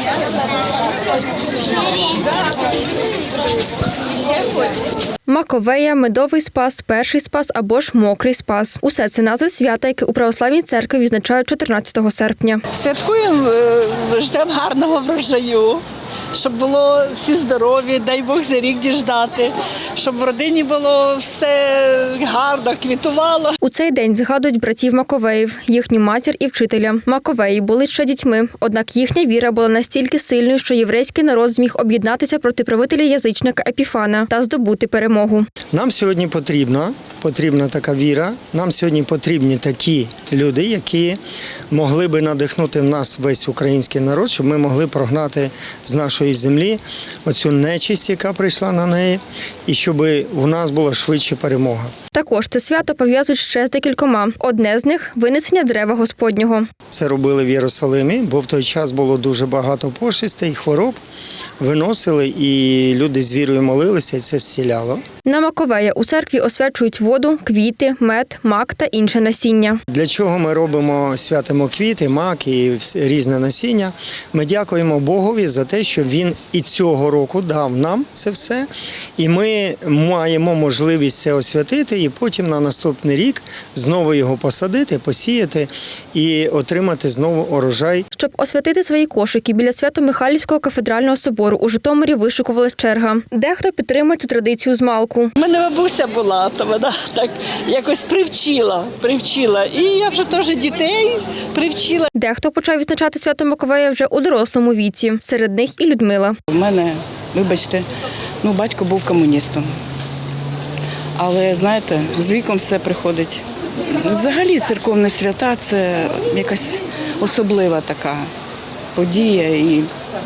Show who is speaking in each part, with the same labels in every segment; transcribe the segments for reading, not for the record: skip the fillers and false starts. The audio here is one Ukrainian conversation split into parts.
Speaker 1: Маковея, медовий спас, перший спас або ж мокрий спас. Усе це назви свята, яке у православній церкві відзначають 14 серпня.
Speaker 2: Святкуємо, ждемо гарного врожаю, щоб було всі здорові, дай Бог за рік діждати, щоб в родині було все гарно, квітувало.
Speaker 1: У цей день згадують братів Маковеїв, їхню матір і вчителя. Маковеї були ще дітьми, однак їхня віра була настільки сильною, що єврейський народ зміг об'єднатися проти правителя-язичника Епіфана та здобути перемогу.
Speaker 3: Нам сьогодні потрібна така віра, нам сьогодні потрібні такі люди, які могли би надихнути в нас весь український народ, щоб ми могли прогнати з нашої землі оцю нечисть, яка прийшла на неї, і щоб у нас була швидше перемога.
Speaker 1: Також це свято пов'язують ще з декількома. Одне з них – винесення дерева Господнього.
Speaker 3: Це робили в Єрусалимі, бо в той час було дуже багато пошестей, хвороб. Виносили, і люди з вірою молилися, і це зціляло.
Speaker 1: На Маковея у церкві освячують воду, квіти, мед, мак та інше насіння.
Speaker 3: Для чого ми робимо, святимо квіти, мак і різне насіння? Ми дякуємо Богові за те, що Він і цього року дав нам це все. І ми маємо можливість це освятити і потім на наступний рік знову його посадити, посіяти і отримати знову урожай.
Speaker 1: Щоб освятити свої кошики біля Свято-Михайлівського кафедрального собору у Житомирі вишикувалась черга. Дехто підтримує цю традицію змалку.
Speaker 2: У мене бабуся була, то вона так якось привчила. І я вже теж дітей привчила.
Speaker 1: Дехто почав відзначати свято Маковея вже у дорослому віці. Серед них і Людмила.
Speaker 4: У мене, вибачте, батько був комуністом. Але, знаєте, з віком все приходить. Взагалі церковні свята – це якась особлива така подія. І,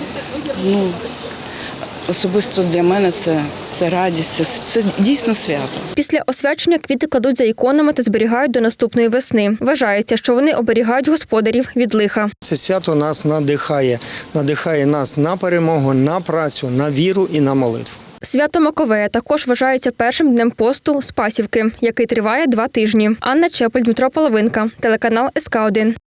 Speaker 4: особисто для мене це радість, це дійсно свято.
Speaker 1: Після освячення квіти кладуть за іконами та зберігають до наступної весни. Вважається, що вони оберігають господарів від лиха.
Speaker 3: Це свято нас надихає нас на перемогу, на працю, на віру і на молитву.
Speaker 1: Свято Маковея також вважається першим днем посту Спасівки, який триває 2 тижні. Анна Чепель, Дмитро Половинка, телеканал СК1.